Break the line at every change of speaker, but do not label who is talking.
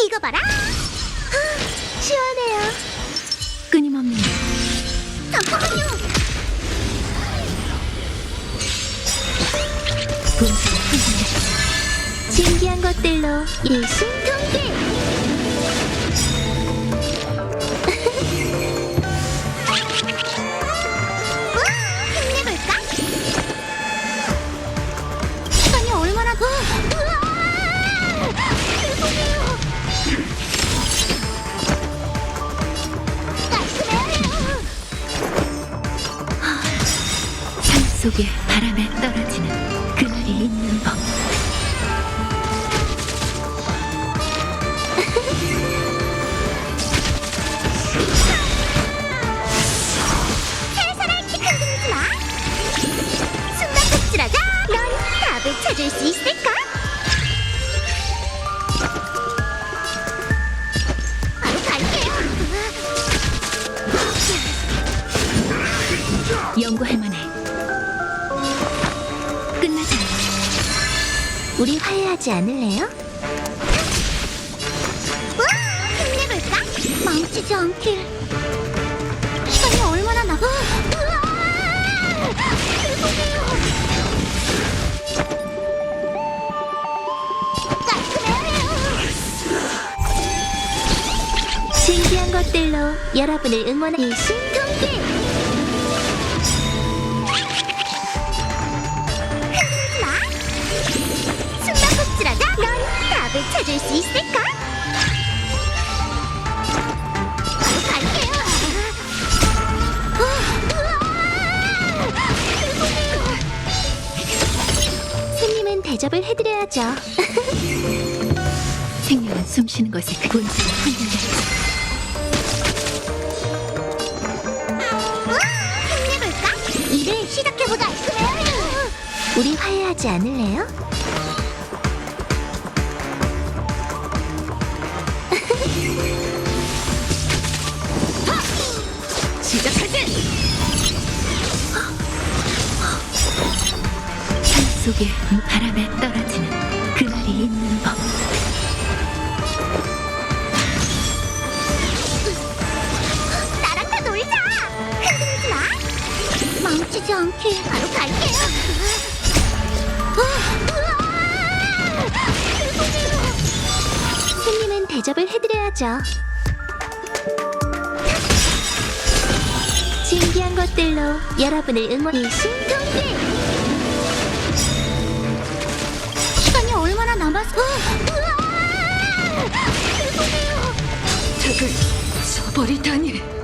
이거 봐라. 시원해요.
끊임없는
잠깐만요.
분수를 흔들려
신기한 것들로 일심동기. 힘내볼까? 시간이 얼마나 더? 죄송해요. 깔끔해요.
삶 속에 바람에 떨어지는 그날이 있는 법.
살살할 키 흔들지 마. 숨바꼭질하자. 넌 답을 찾을 수 있을까? 바로 갈게요.
연구할 만해. 끝나지 않아.
우리 화해하지 않을래요? 우와! 힘내볼까? 망치지 않길. 시간이 얼마나 남아? 우와! 죄송해요. 깔끔해요. 신기한 것들로 여러분을 응원하 일심동기. 흔들지 마. 숨바꼭질하자. 넌 답을 찾을 수 있을까? 바로 갈게요. 우와! 죄송해요. 손님은 대접을 해드려야죠.
생명은 숨쉬는 것에 그 분수를 흔들려
우와! 힘내볼까? 일을 시작해보자. 깔끔해요. 우리 화해하지 않을래요?
시작하지! 삶 속에 바람에 떨어지는 그날이 있는 법.
나랑 다 놀자. 흔들지 마. 망치지 않게 바로 갈게요. 우와! 죄송해요. 손님은 대접을 해드려야죠. 신기한 것들로 여러분을 응원. 일심동기. 시간이 얼마나 남았어? 우와! 죄송해요.
적을 써버리다니.